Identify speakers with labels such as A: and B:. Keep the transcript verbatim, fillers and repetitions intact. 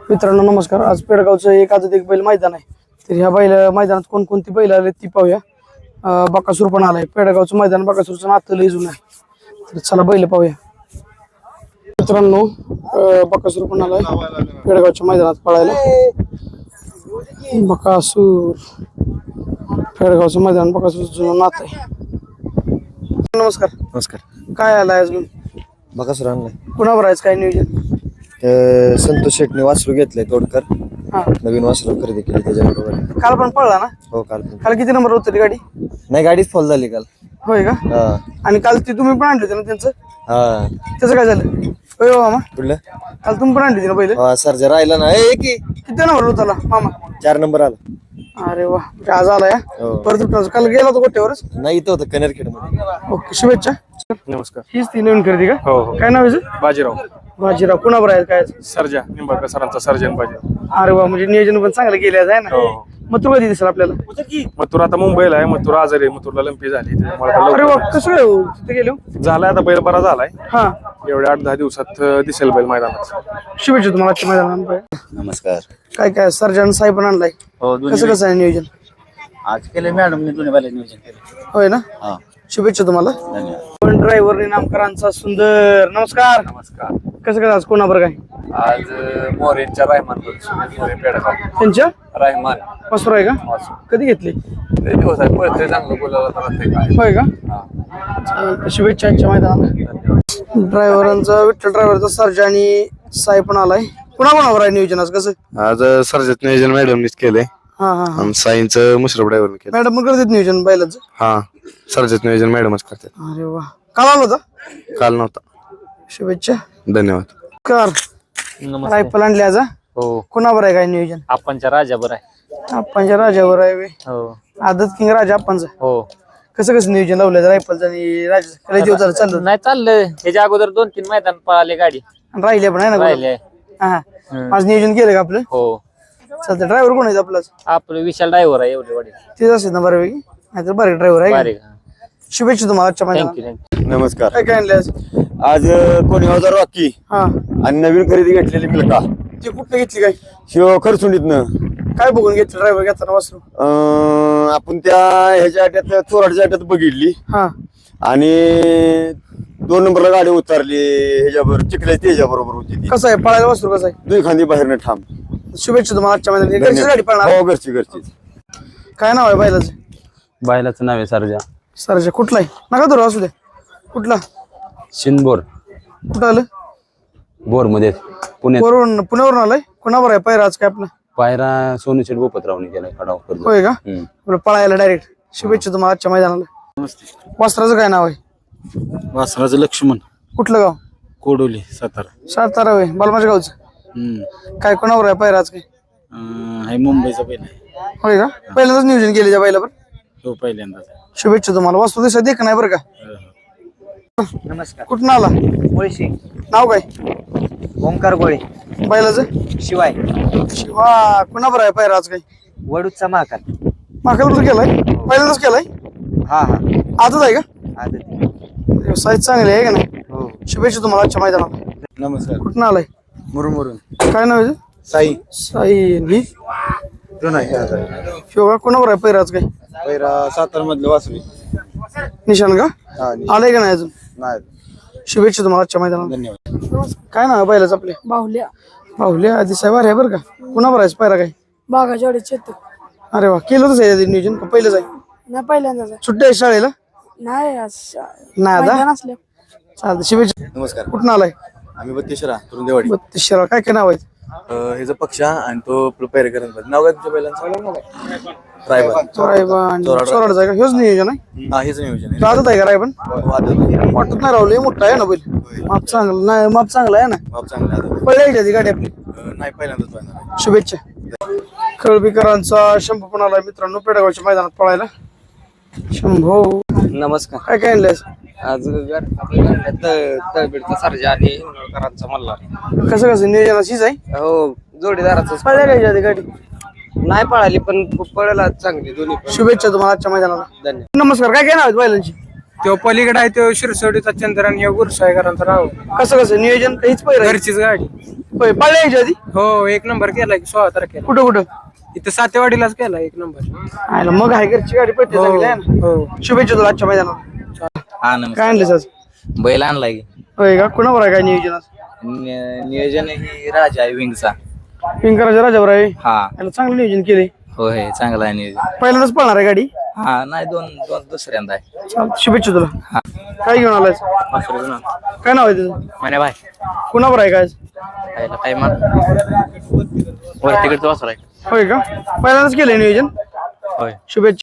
A: मित्रांनो नमस्कार. आज पेडगावचं एक आजच एक बैल मैदान आहे. तर ह्या बैल मैदानात कोणकोणती बैल आले ती पाहूया. बकासूर पण आलाय. पेडगावचं मैदान बकासूरचं नातं लय जुनं आहे. तर चला बैल पाहूया. मित्रांनो बकासूर पण आलाय पेडगावच्या मैदानात पळायला. बकासूर पेडगावचं मैदान बकासूरचं जुनं नातं आहे. नमस्कार.
B: नमस्कार.
A: काय आलाय अजून?
B: बकासूर आणलाय.
A: कुणावर आहे काय नियोजन?
B: संतोष शेटने वासरू घेतलंय तोडकर.
A: हा
B: नवीन वासरू खरेदी केली त्याच्याबरोबर.
A: काल पण पळला ना?
B: हो काल पण.
A: काल किती नंबर होती गाडी?
B: नाही गाडीच फॉल झाली काल.
A: होय का?
B: हा
A: आणि काल ती तुम्ही पण आणली होती ना त्यांचं?
B: हा
A: त्याचं काय झालं? होय हो मामा.
B: कुठलं?
A: काल तुम्ही पण आणली होती ना पहिले?
B: हा सर्जा राहिला ना. ए की
A: किती नंबर होता मामा?
B: चार नंबर आला.
A: अरे वा आज आला या.
B: हो.
A: परत उठला. काल गेला होता गोट्यावरच.
B: नाही इथं होतं कनेरखेड मध्ये.
A: ओके शुभेच्छा.
C: नमस्कार.
A: हीच ती नवीन खरेदी का?
C: हो हो.
A: काय नाव आहे याचं?
C: बाजीराव
A: बाजीराव. कुणावर आहे काय?
C: सर्जा निंबाळकर सरांचा सर्जन बाजीराव.
A: अरे वा म्हणजे नियोजन पण चांगलं केलं आहे ना.
C: हो.
A: मग तू कधी दिसेल आपल्याला?
C: मथुर आता मुंबईला आहे. मथुर आजारी आहे. मथुरला लंपी झाली त्यामुळे आता
A: अरे वा
C: लवकर
A: कसं काय हो? तिथे गेलो?
C: झालाय आता बैल बरा झालाय.
A: हा
C: एवढ्या आठ दहा दिवसात अं, दिसेल बैल मैदानात.
A: शुभेच्छा तुम्हाला आजच्या मैदानात.
B: नमस्कार.
A: काय काय सर्जन साहेब पण आणलाय.
B: हो
A: कसं कसं आहे नियोजन?
B: आज केलं मॅडमने दोन्ही बैल नियोजन केलं.
A: होय ना?
B: हा
A: शुभेच्छा तुम्हाला.
B: धन्यवाद.
A: पण ड्रायव्हर नामकरांचा सुंदर नमस्कार.
C: नमस्कार.
A: कसं कसं आज कोणाबर काय?
C: आज मोरेंच्या रायमान पेडगाव
A: त्यांच्या
C: रायमान
A: मसूर आहे का? कधी घेतली?
C: दिवस आहे पळते चांगलं बोलायला.
A: होय का? चालतंय. शुभेच्छा आजच्या मैदानाला. ड्रायव्हरांचा विठ्ठल ड्रायव्हरचा सर्जा आणि साई पण आलाय. कुणा कोणावर आहे नियोजन आज कसं?
C: आज सर्जत नियोजन मॅडमनीच केलंय
A: हा हा हा.
C: आणि साईंचं मुश्रफ ड्रायव्हरने केलं.
A: मॅडम पण करतात नियोजन बैलाचं?
C: हा सर्जत नियोजन मॅडमच करतात.
A: अरे वा काल आला होता?
C: काल नव्हता.
A: शुभेच्छा.
C: धन्यवाद.
A: कर रायफल आणली आज.
D: हो
A: कुणावर आहे काय नियोजन?
D: आपणच्या राजाबर आहे.
A: आपणच्या राजावर आहे बे.
D: हो
A: आदत किंग राजा आपणचं.
D: हो
A: कसं कसं नियोजन लावलं रायफलचं आणि राजा लय दिवस झालं चाललं
D: नाही चाललंय ह्याच्या अगोदर दोन तीन मैदान पळाले गाडी
A: आणि राहिले पण आहे ना
D: राहिले.
A: हा हा. आज नियोजन केलं का आपलं?
D: हो
A: चालतं. ड्रायव्हर कोण आहे आपला?
D: आपलं विशाल ड्रायव्हर आहे एवढे वाडी
A: तेच असेल ना बऱ्यापैकी. नाहीतर बारीक ड्रायव्हर आहे का?
D: बारीक.
A: शुभेच्छा तुम्हाला आजच्या
D: थँक्यू
A: मैदानात.
D: थँक्यू.
B: नमस्कार.
A: काय काय आणले आज?
B: आज कोणी हजार रॉकी
A: हा
B: आणि नवीन खरेदी घेतलेली मिल्का.
A: ती कुठे घेतली काय?
B: शिव खरसुंडीतनं.
A: काय बघून घेतलं ड्रायव्हर घेताना वासरू?
B: अं, आपण त्या ह्याच्या अड्ड्यात चोराडच्या अड्ड्यात बघितली
A: हा
B: आणि दोन नंबरला गाडी उतरली ह्याच्यावर चिखल्या त्याच्या बरोबर होती ती.
A: कसं आहे पळायला वासरू कसं आहे?
B: दुई खांदी बाहेरनं ठाम.
A: शुभेच्छा तुम्हाला आजच्या मैदानात. घरची गाडी पळणार?
B: हो घरची घरची.
A: काय नाव आहे बैलाचं?
E: बायलाचं नाव आहे सरजा.
A: सरजा. कुठला आहे? नका धरू असू दे. कुठला?
E: शिंदबोर
A: कुठं आलं?
E: बोर मध्ये पुण्यात.
A: वरून पुण्यावरून आलाय. कुणावर आहे पैरा आज काय आपला?
E: पायरा सोनू शेठ गोपतरावने केलाय खडाव कर्ज.
A: होय का?
E: हम्म.
A: आपलं पळायला डायरेक्ट. शुभेच्छा तुम्हाला आजच्या मैदानाला. वस्त्राचं काय नाव आहे?
F: वासराचं लक्ष्मण
A: कुठलं गाव?
F: कोडोली सातारा.
A: सातारा होय. बालमाच्या गावचं.
F: हम्म.
A: काय कोणावर आहे पैरा आज काय?
F: अं, हाय मुंबईचा पहिला आहे.
A: होय का? पहिल्यांदाच नियोजन केले त्या बैलावर.
F: हो पहिल्यांदाच.
A: शुभेच्छा तुम्हाला. वस्तू दिसा देख नाही बरं का?
D: नमस्कार.
A: कुठून आला?
D: मुळशी
A: नाव काय
D: ओंकार गोळे
A: बैलाचं?
D: शिवाय
A: शिवा. कुणावर आहे पैरा आज काय?
D: वडूचा महाकाल.
A: माकाला केलाय? पहिल्यांदाच केलाय?
D: हा हा
A: आजच आहे का?
D: आदत.
A: व्यवसाय चांगले आहे का नाही?
D: हो
A: शुभेच्छा तुम्हाला आजच्या मैदानाला.
B: नमस्कार.
A: कुठून आलाय?
B: मुरुमुरून
A: काय नाव आहे?
B: साई.
A: साई. ही शिवा. कुणावर आहे पैरा आज काय?
B: पहिला सातारा मधलं वासरी.
A: निशान का?
B: हा
A: आलंय का नाही अजून?
B: नाही.
A: शुभेच्छा तुम्हाला आजच्या मैदानाला.
B: धन्यवाद.
A: काय नाव आहे बैलाचं आपल्या?
G: बाहुल्या
A: बाहुल्या. आधी साहेब आहे बरं का? कुणावर आहे पैरा काय?
G: बागाच्या वाडीत चेतक.
A: अरे वा. केलं होतं साहेब नियोजन का पहिलंच आहे?
G: नाही पहिल्यांदाच आहे.
A: सुट्टी आहे शाळेला?
G: नाही आज
A: नाही आता?
G: मैदान असल्या.
A: चालतं. शुभेच्छा.
B: नमस्कार.
A: कुठून आलाय?
B: आम्ही बत्तीसरा तुरुंदेवाडी.
A: बत्तीस शिरा. काय काय नाव आहे?
B: ह्याचा पक्ष आणि तो पैरेकरांचा नाव काय तुमच्या पहिल्यांदा? रायबन.
A: रायबन. चोराडचा आहे का? हेच नियोजन आहे?
B: हा हेच नियोजन आहे.
A: राहत आहे का रायबन?
B: वादळ.
A: वाटत नाही राहुल. मोठा आहे ना बैल. माप चांगलं नाही. माप चांगलं आहे ना?
B: बाप चांगला आहे.
A: पळायची ती गाडी आपली.
B: अं, नाही पहिल्यांदाच पाहणार.
A: शुभेच्छा. कळबीकरांचा शंभू पण आलाय मित्रांनो पेडगावच्या मैदानात पळायला. शंभू.
D: नमस्कार.
A: काय काय आणलंय?
D: आज तळबीडचा सर्जा आणि हिंगोळकरांचा मल्हार.
A: कसं कसं नियोजन अशीच आहे?
D: हो जोडीदाराच
A: पळायला घ्यायची आधी गाडी.
D: नाही पळाली पण खूप पळायला चांगली दोन्ही पण.
A: शुभेच्छा तुम्हाला आजच्या मैदानाला.
D: धन्यवाद.
A: नमस्कार. काय काय नाव आहेत बैलांची?
H: तो पलीकडे आहे तो शिरसोडीचा चंद्रन हे गुरसाईकरांचं नाव
A: कसं कसं नियोजन काहीच पहिलं
H: घरचीच गाडी
A: होय पाळल्या यायच्या आधी
H: हो एक नंबर केलाय की सोळा तारखेला
A: कुठं कुठं
H: इथं सातेवाडीलाच केला एक नंबर
A: आयला मग आहे घरची गाडी पळते चांगली आहे ना
H: हो
A: शुभेच्छा तुला आजच्या मैदानात
D: हा
A: काय आणलेस आज
D: बैल आणलाय की
A: होय का कुणावर आहे काय नियोजन आज
D: नियोजन ही राजा आहे विंगचा
A: पिंकराच्या राजावर आहे
D: हा
A: याला चांगलं नियोजन केले
D: होय चांगला आहे नियोजन
A: पहिल्यांदाच पळणार आहे गाडी
D: हा नाही दोन दोन दुसऱ्यांदा आहे
A: चालतं, शुभेच्छा तुला काय घेऊन आलायस काय नाव आहे तुझं
D: म्हणे भाई
A: कुणावर आहे काय आज?
D: काय मान वरतीकडचं वासर आहे
A: होय का पहिल्यांदाच केलंय नियोजन
D: होय
A: शुभेच्छा